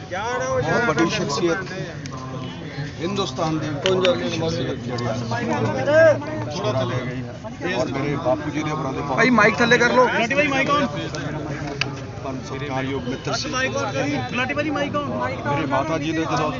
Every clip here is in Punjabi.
बहुत बड़ी शख्सियत हिंदुस्तान की शख्सियत और मेरे बापू जी ने भाई माइक थले कर लो। सत्कारयोग मित्र से मेरे माता जी ने जो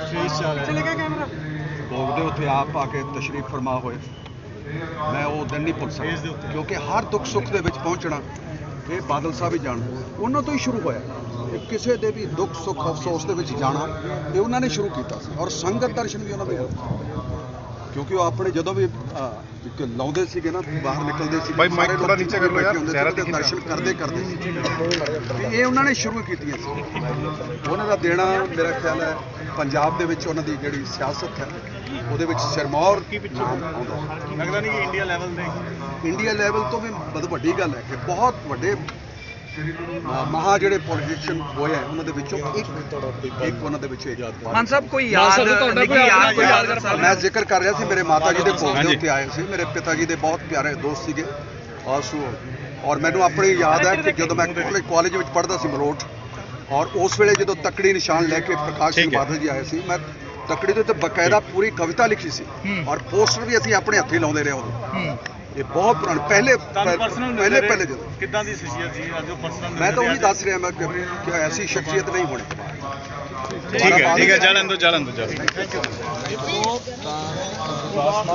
भोगते उत्थे आप आके तशरीफ फरमा होए मैं वो दिन नहीं भुल सकता क्योंकि हर दुख सुख के पहुँचना ये बादल साहब ही जानते उन्होंने तो ही शुरू होया किसी के भी दुख सुख अफसोस के जाना ये उन्होंने शुरू किया और संगत दर्शन भी उन्होंने क्योंकि वो अपने जो भी लाउंदे सीगे ना बाहर निकलते सी भाई माइक थोड़ा नीचे कर लो यार दर्शन करते करते ये उन्होंने शुरू की उन्होंने देना मेरा ख्याल है पंजाब दे विच उन्हां दी जिहड़ी सियासत है ਉਹਦੇ ਵਿੱਚ ਸਿਰਮੌਰ ਨਾਮ ਆਉਂਦਾ लगता नहीं कि इंडिया लेवल दे ਇੰਡੀਆ ਲੈਵਲ ਤੋਂ ਵੀ ਬਹੁਤ ਵੱਡੀ ਗੱਲ ਹੈ ਕਿ ਬਹੁਤ ਵੱਡੇ ਮਹਾ ਜਿਹੜੇ ਪੋਲੀਟੀਸ਼ੀਅਨ ਹੋਏ ਆ ਉਹਨਾਂ ਦੇ ਵਿੱਚੋਂ ਇੱਕ ਉਹਨਾਂ ਦੇ ਵਿੱਚੋਂ ਇੱਕ ਮਾਨ ਸਾਹਿਬ ਕੋਈ ਯਾਦ ਨਿੱਕੀ ਯਾਦ ਕੋਈ ਯਾਦਗਾਰ ਸਾਹਿਬ ਮੈਂ ਜ਼ਿਕਰ ਕਰ ਰਿਹਾ ਸੀ ਮੇਰੇ ਮਾਤਾ ਜੀ ਦੇ ਭੋਗ ਦੇ ਉੱਤੇ ਆਏ ਸੀ ਮੇਰੇ ਪਿਤਾ ਜੀ ਦੇ ਬਹੁਤ ਪਿਆਰੇ ਦੋਸਤ ਸੀਗੇ ਔਰ ਮੈਨੂੰ ਆਪਣੀ ਯਾਦ ਹੈ ਕਿ ਜਦੋਂ ਮੈਂ ਕਾਲਜ ਵਿੱਚ ਪੜ੍ਹਦਾ ਸੀ ਮਲੋਟ ਔਰ ਉਸ ਵੇਲੇ ਜਦੋਂ ਤਕੜੀ ਨਿਸ਼ਾਨ ਲੈ ਕੇ ਪ੍ਰਕਾਸ਼ ਸਿੰਘ ਬਾਦਲ ਜੀ ਆਏ ਸੀ ਮੈਂ ਤਕੜੀ ਦੇ ਉੱਤੇ ਬਕਾਇਦਾ ਪੂਰੀ ਕਵਿਤਾ ਲਿਖੀ ਸੀ ਔਰ ਪੋਸਟਰ ਵੀ ਅਸੀਂ ਆਪਣੇ ਹੱਥੀਂ ਲਾਉਂਦੇ ਰਹੇ ਉਦੋਂ ਇਹ ਬਹੁਤ ਪੁਰਾਣੇ ਪਹਿਲੇ ਜਦੋਂ ਕਿੱਦਾਂ ਦੀ ਸ਼ਖਸੀਅਤ ਸੀ ਅੱਜ ਉਹ ਪਰਸਨਲ ਮੈਂ ਤਾਂ ਉਹੀ ਦੱਸ ਰਿਹਾ ਮੈਂ ਕਿ ਐਸੀ ਸ਼ਖਸੀਅਤ ਨਹੀਂ ਹੋਣੀ ਠੀਕ ਹੈ ਚੱਲਣ ਦੋ